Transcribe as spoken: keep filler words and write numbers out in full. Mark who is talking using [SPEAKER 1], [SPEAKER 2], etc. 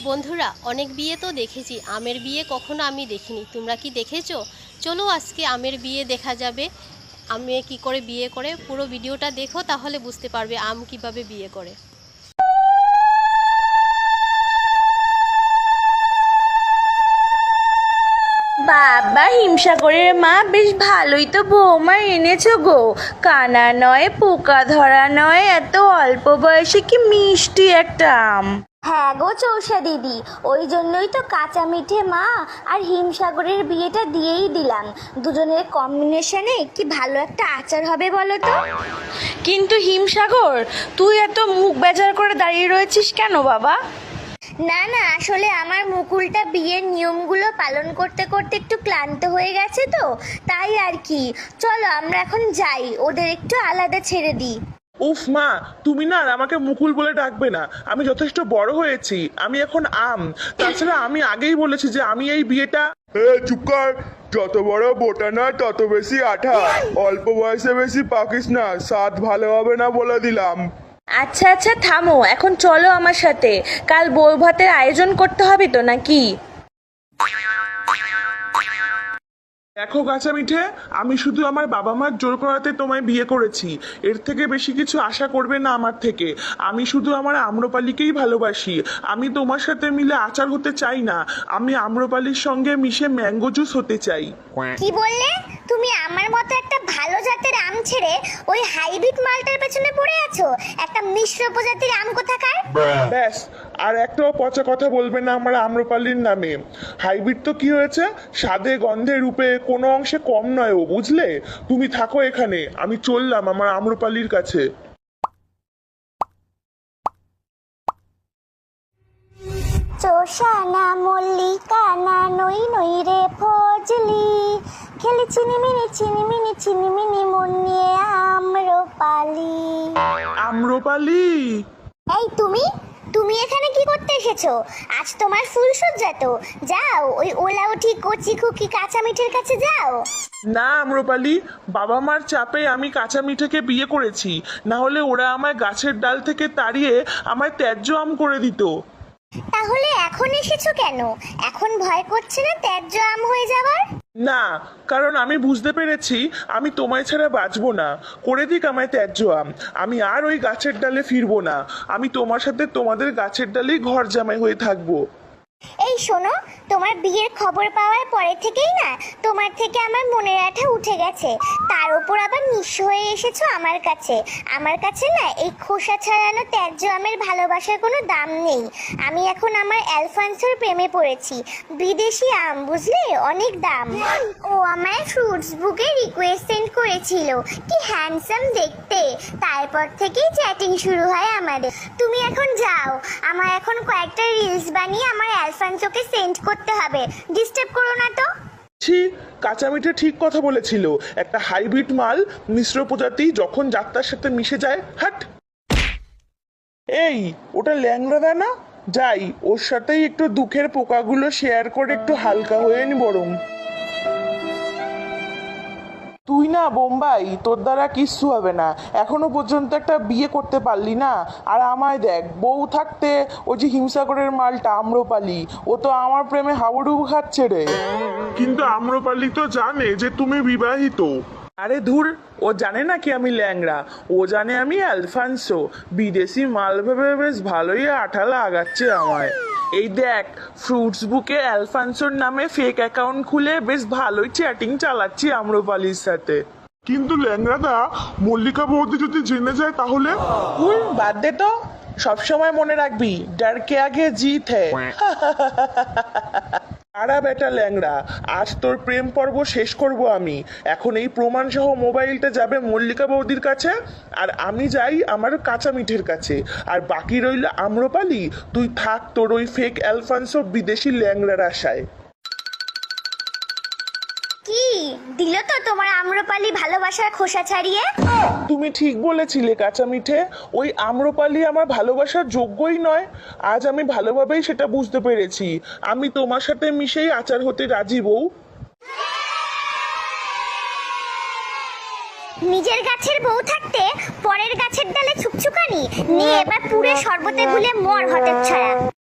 [SPEAKER 1] বন্ধুরা, অনেক বিয়ে তো দেখেছি, আমের বিয়ে কখনো আমি দেখিনি। তোমরা কি দেখেছো? চলো আজকে আমের বিয়ে দেখা যাবে। আমি কি করে বিয়ে করে, পুরো ভিডিওটা দেখো, তাহলে বুঝতে পারবে আম কিভাবে বিয়ে করে।
[SPEAKER 2] বাবা, হিমসাগরের মা বেশ ভালোই তো বৌমা এনেছো গো। কানা নয়, পোকা ধরা নয়, এত অল্প বয়সে কি মিষ্টি একটা আম।
[SPEAKER 3] হ্যাঁ গো চৌষা দিদি, ওই জন্যই তো কাঁচা মিঠে মা আর হিমসাগরের বিয়েটা দিয়েই দিলাম। দুজনের কম্বিনেশনে কি ভালো একটা আচার হবে বলো তো।
[SPEAKER 2] কিন্তু হিমসাগর, তুই এত মুখ বেজার করে দাঁড়িয়ে রয়েছিস কেন বাবা?
[SPEAKER 3] না না, আসলে আমার মুকুলটা বিয়ের নিয়মগুলো পালন করতে করতে একটু ক্লান্ত হয়ে গেছে তো, তাই আর কি। চলো আমরা এখন যাই, ওদের একটু আলাদা ছেড়ে দিই।
[SPEAKER 4] উফ মা, তুমি না আর আমাকে মুকুল বলে ডাকবে না। আমি যথেষ্ট বড় হয়েছি, আমি এখন আম। তাছাড়া আমি আগেই বলেছি যে আমি এই বিয়েটা।
[SPEAKER 5] এ চুপ কর। যত বড় বোটা না তত বেশি আঠা। অল্প বয়সে বেশি পাকিস না, স্বাদ ভালো হবে না বলে দিলাম।
[SPEAKER 2] আচ্ছা আচ্ছা থামো, এখন চলো আমার সাথে। কাল বউ ভাতের আয়োজন করতে হবে তো নাকি?
[SPEAKER 4] দেখো গাছা মিঠে, আমি শুধু আমার বাবা মার জোর করাতে তোমায় বিয়ে করেছি। এর থেকে বেশি কিছু আশা করবে না আমার থেকে। আমি শুধু আমার আম্রপালিকেই ভালোবাসি। আমি তোমার সাথে মিলে আচার হতে চাই না, আমি আম্রপালির সঙ্গে মিশে ম্যাঙ্গো জুস হতে চাই।
[SPEAKER 3] কি বললে? তুমি আমার মতো একটা ভালো জাতের আম ছেড়ে ওই হাইব্রিড মালটার পেছনে পড়ে আছো? একটা মিশ্র প্রজাতির আম কোথাকার।
[SPEAKER 4] ব্যাস, আর একটাও পচা কথা বলবে না আমার আম্রপালির নামে। হাইব্রিড তো কি হয়েছে, স্বাদে গন্ধে রূপে কোনো অংশে কম নয় ও, বুঝলে? তুমি থাকো এখানে, আমি চললাম আমার আম্রপালির কাছে।
[SPEAKER 3] চোষা না মল্লিকা না নই নই রে ফজলি, খেলি চিনিমিনি চিনিমিনি চিনিমিনি মন নিয়ে আম্রপালি।
[SPEAKER 4] আম্রপালি,
[SPEAKER 3] এই তুমি তুমি এখানে কি করতে এসেছো? আজ তোমার ফুলসজ্জা তো, যাও ওই ওলা উঠি কচি খুকি কাঁচা মিঠের কাছে যাও।
[SPEAKER 4] না আম্রপালি, বাবা মার চাপে আমি কাঁচা মিঠেকে বিয়ে করেছি, না হলে ওরা আমায় গাছের ডাল থেকে তাড়িয়ে আমায় ত্যায্য আম করে দিত।
[SPEAKER 3] তাহলে এখন এসেছো কেন? এখন ভয় করছে না ত্যায্য আম হয়ে যাবার?
[SPEAKER 4] না, কারণ আমি বুঝতে পেরেছি আমি তোমায় ছাড়া বাঁচবো না। করে দিক আমায় ত্যায্য আম, আমি আর ওই গাছের ডালে ফিরবো না। আমি তোমার সাথে তোমাদের গাছের ডালেই ঘর জামাই হয়ে থাকবো।
[SPEAKER 3] এই শোনো, তোমার বিয়ের খবর পাওয়ার পরে থেকেই না তোমার থেকে আমার মনের আঠা উঠে গেছে। তার উপর আবার নিঃস্ব হয়ে এসেছো আমার কাছে। আমার কাছে না এই খোসা ছাড়ানো ত্যায্য আমের ভালোবাসার কোনো দাম নেই। আমি এখন আমার অ্যালফান্সোর প্রেমে পড়েছি। বিদেশি আম, বুঝলে, অনেক দাম। ও আমায় ফ্রুটস বুকে রিকোয়েস্ট সেন্ড করেছিল, কি হ্যান্ডসাম দেখতে। তারপর থেকেই চ্যাটিং শুরু হয় আমাদের। তুমি এখন যাও, আমার এখন কয়েকটা রিলস বানিয়ে আমার অ্যালফান্সোকে সেন্ড করতে হবে। ডিস্টার্ব করো না তো।
[SPEAKER 4] ছি, কাঁচা মিঠে ঠিক কথা বলেছিল। একটা হাইব্রিড মাল, মিশ্র প্রজাতি যখন যাত্রার সাথে মিশে যায়, হাট। এই, ওটা ল্যাংড়া না? যাই, ওর সাথেই একটু দুঃখের পোকাগুলো শেয়ার করে একটু হালকা হয়ে নি বরং। তুই না বোম্বাই, তোর দ্বারা কিচ্ছু হবে না। এখনো পর্যন্ত একটা বিয়ে করতে পারলি না। আর আমায় দেখ, বউ থাকতে ওই যে হিমসাগরের মালটা আম্রপালি, ও তো আমার প্রেমে হাবুডুবু খাচ্ছে রে। কিন্তু আম্রপালি তো জানে যে তুমি বিবাহিত। আরে ধুর, ও জানে না কি আমি ল্যাংড়া, ও জানে আমি অ্যালফান্সো। বিদেশি মাল ভেবে বেশ ভালোই আঠা লাগাচ্ছে আমায়। এই দেখ, ফ্রুটস বুকে অ্যালফান্সোর নামে ফেক অ্যাকাউন্ট খুলে বেশ ভালোই চ্যাটিং চালাচ্ছি আম্রপালির সাথে। কিন্তু ল্যাংড়াদা, মল্লিকা বৌদি যদি জেনে যায় তাহলে? হুম, বাদ দে তো। সবসময় মনে রাখবি, ডার কে আগে জিত হ্যায়। আরা বেটা ল্যাংড়া, আজ তোর প্রেম পর্ব শেষ করব আমি। এখন এই প্রমাণ সহ মোবাইলটা যাবে মল্লিকা বৌদির কাছে, আর আমি যাই আমার কাঁচা মিঠের কাছে। আর বাকি রইল আম্রপালি, তুই থাক তোর ওই ফেক অ্যালফান্সো বিদেশি ল্যাংড়ার আশায়।
[SPEAKER 3] কি দিল তো তোমার আম্রপালি ভালোবাসার খোসা ছাড়িয়ে?
[SPEAKER 4] তুমি ঠিক বলেছিলে কাঁচা মিঠে, ওই আম্রপালি আমার ভালোবাসার যোগ্যই নয়। আজ আমি ভালোভাবেই সেটা বুঝতে পেরেছি। আমি তোমার সাথে মিশেই আচার হতে রাজি বউ।
[SPEAKER 3] নিজের গাছের বউ থাকতে পরের গাছের ডালে ছুকছুকানি নিয়ে এবার পুরো শরবতে গুলে মর হতে ছাড়া।